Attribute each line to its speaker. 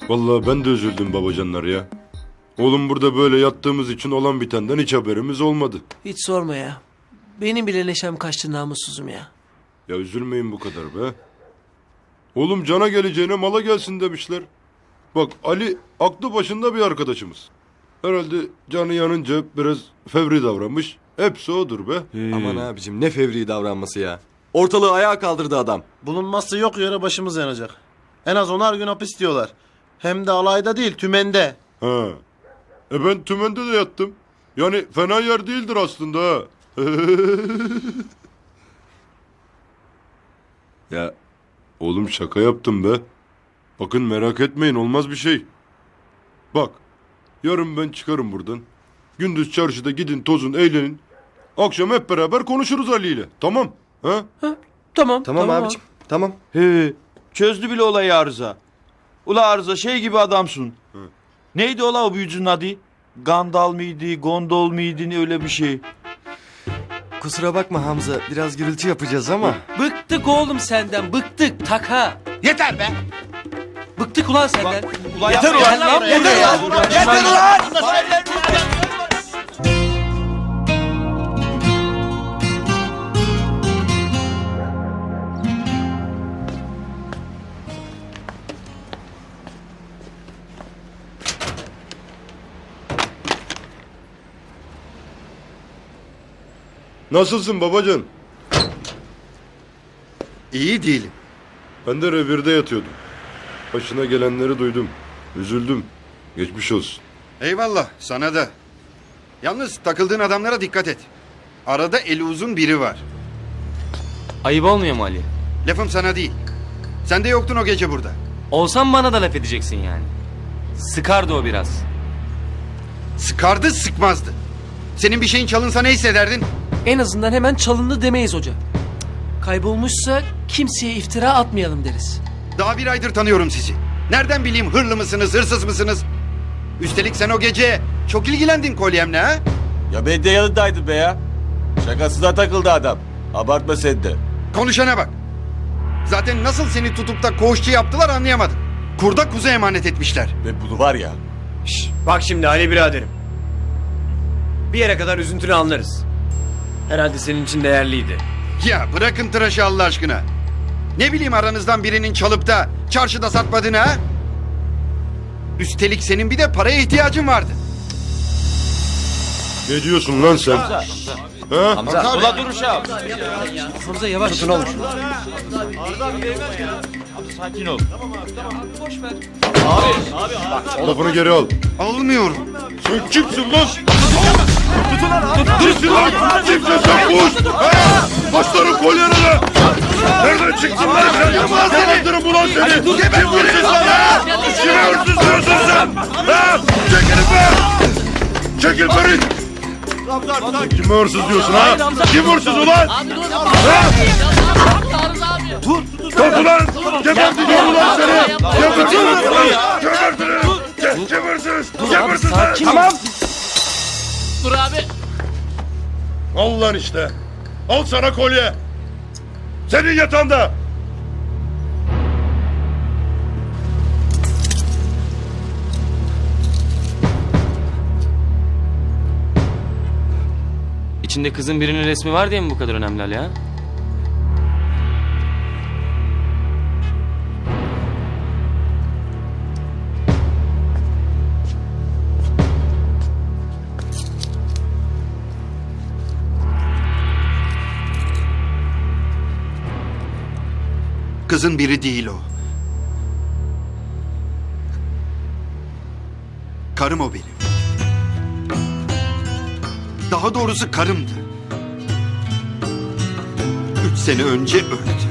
Speaker 1: Vallahi ben de üzüldüm babacanlar ya. Oğlum burada böyle yattığımız için olan bitenden hiç haberimiz olmadı.
Speaker 2: Hiç sorma ya. Benim bile neşem kaçtı namussuzum ya.
Speaker 1: Ya üzülmeyin bu kadar be. Oğlum cana geleceğine mala gelsin demişler. Bak Ali aklı başında bir arkadaşımız. Herhalde canı yanınca biraz fevri davranmış. Hepsi odur be.
Speaker 3: Aman abicim ne fevri davranması ya. Ortalığı ayağa kaldırdı adam.
Speaker 4: Bulunmazsa yok yere başımız yanacak. En az 10'ar gün hapis diyorlar. Hem de alayda değil tümende.
Speaker 1: Ha. Ben tümende de yattım. Yani fena yer değildir aslında ha. Ya oğlum şaka yaptım be. Bakın merak etmeyin olmaz bir şey. Bak yarın ben çıkarım buradan. Gündüz çarşıda gidin tozun eğlenin. Akşam hep beraber konuşuruz Ali ile. Tamam. Ha?
Speaker 2: Tamam.
Speaker 3: Tamam abicim tamam.
Speaker 5: He, çözdü bile olayı Arıza. Ula Arıza şey gibi adamsın. Neydi ola o büyücünün adı? Gandal mıydı, gondol muydu ne öyle bir şey.
Speaker 3: Kusura bakma Hamza biraz gürültü yapacağız ama.
Speaker 2: Bıktık oğlum senden. Bıktık. Taka.
Speaker 4: Yeter be!
Speaker 2: Bıktık ulan senden.
Speaker 5: Ulan
Speaker 4: Yeter
Speaker 5: yapma
Speaker 4: ulan,
Speaker 5: lan,
Speaker 4: yeter ya.
Speaker 5: Yeter ulan!
Speaker 1: Nasılsın babacan?
Speaker 6: İyi değilim.
Speaker 1: Ben de revirde yatıyordum. Başına gelenleri duydum. Üzüldüm. Geçmiş olsun.
Speaker 6: Eyvallah sana da. Yalnız takıldığın adamlara dikkat et. Arada eli uzun biri var.
Speaker 7: Ayıp olmuyor mu Ali?
Speaker 6: Lafım sana değil. Sen de yoktun o gece burada.
Speaker 7: Olsam bana da laf edeceksin yani. Sıkardı o biraz.
Speaker 6: Sıkardı sıkmazdı. Senin bir şeyin çalınsa ne hissederdin?
Speaker 2: En azından hemen çalındı demeyiz hoca. Kaybolmuşsa kimseye iftira atmayalım deriz.
Speaker 6: Daha bir aydır tanıyorum sizi. Nereden bileyim hırlı mısınız, hırsız mısınız? Üstelik sen o gece çok ilgilendin kolyemle ha?
Speaker 8: Ya ben de yanındaydım be ya. Şakasına takıldı adam. Abartma sen de.
Speaker 6: Konuşana bak. Zaten nasıl seni tutup da koğuşçu yaptılar anlayamadım. Kurda kuzu emanet etmişler.
Speaker 8: Ve bunu var ya.
Speaker 9: Bak şimdi Ali biraderim. Bir yere kadar üzüntünü anlarız. Herhalde senin için değerliydi.
Speaker 6: Ya bırakın tıraşı Allah aşkına. Ne bileyim aranızdan birinin çalıp da çarşıda satmadığını ha? Üstelik senin bir de paraya ihtiyacın vardı.
Speaker 1: Ne diyorsun lan sen? Ha?
Speaker 5: Hamza, ula dur uşağım.
Speaker 2: Hamza yavaş.
Speaker 4: Tutun oğlum.
Speaker 5: Sakin ol.
Speaker 1: Lafını geri al.
Speaker 6: Almıyorum.
Speaker 1: Sen kimsin lan? Kimsin lan? Kimsin sen kuş? Başların kolyerine. Nereden çıktın lan sen? Yakalandırım ulan seni. Kim hırsız lan ha? Kime hırsız diyorsun sen? Ha? Çekilin be. Çekil Ferit. Kime hırsız diyorsun ha? Kim hırsız ulan? Ha? Kalk ulan. Geberteceğim ulan seni. Geberteceğim ulan. Geberteceğim. Kim hırsız? Kim hırsız lan?
Speaker 2: Tamam.
Speaker 10: Dur abi.
Speaker 1: Al lan işte. Al sana kolye. Senin yatağında.
Speaker 7: İçinde kızın birinin resmi var diye mi bu kadar önemli Ali ha?
Speaker 6: Kızın biri değil o. Karım o benim. Daha doğrusu karımdı. 3 sene önce öldü.